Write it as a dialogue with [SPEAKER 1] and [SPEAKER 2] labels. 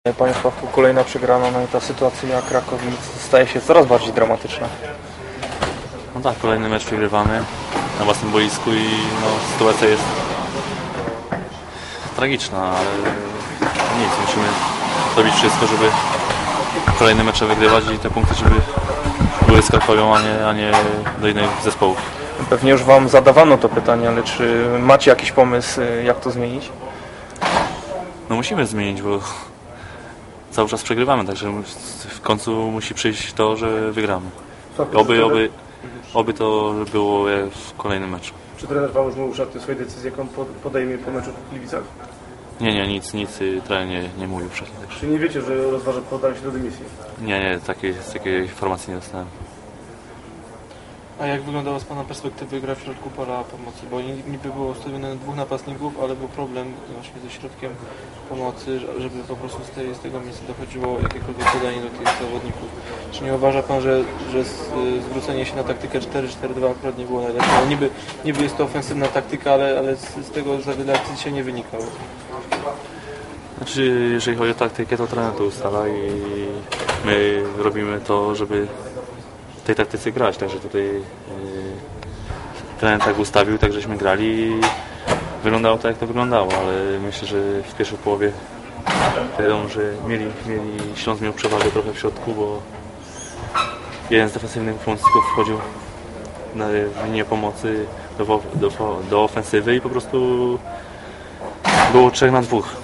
[SPEAKER 1] Panie Sławku, kolejna przegrana, no i ta sytuacja Krakowic staje się coraz bardziej dramatyczna.
[SPEAKER 2] No tak, kolejny mecz przegrywamy na własnym boisku i no, sytuacja jest tragiczna, ale nic, musimy robić wszystko, żeby kolejne mecze wygrywać i te punkty, żeby były z Krakowią, a nie do innych zespołów.
[SPEAKER 1] Pewnie już Wam zadawano to pytanie, ale czy macie jakiś pomysł, jak to zmienić?
[SPEAKER 2] No musimy zmienić, bo cały czas przegrywamy, także w końcu musi przyjść to, że wygramy. Oby to było w kolejnym meczu.
[SPEAKER 3] Czy trener Wam już mówił o swojej decyzji, jaką podejmie po meczu w Gliwicach?
[SPEAKER 2] Nie, nic trener nie mówił wcześniej. Także.
[SPEAKER 3] Czy nie wiecie, że rozważa podanie się do dymisji?
[SPEAKER 2] Nie, takiej informacji nie dostałem.
[SPEAKER 4] A jak wyglądała z Pana perspektywy gra w środku pola pomocy? Bo niby było ustawione 2 napastników, ale był problem właśnie ze środkiem pomocy, żeby po prostu z tego miejsca dochodziło jakiekolwiek podanie do tych zawodników. Czy nie uważa Pan, że zwrócenie się na taktykę 4-4-2 akurat nie było najlepsze? No niby jest to ofensywna taktyka, ale z tego za wiele akcji się nie wynikało.
[SPEAKER 2] Znaczy, jeżeli chodzi o taktykę, to trener to ustala i my robimy to, żeby w tej taktyce grać, także tutaj trener tak ustawił, tak żeśmy grali i wyglądało to, jak to wyglądało, ale myślę, że w pierwszej połowie wiadomo, że Śląsk miał przewagę trochę w środku, bo jeden z defensywnych pomocników wchodził na linię pomocy do ofensywy i po prostu było 3 na 2.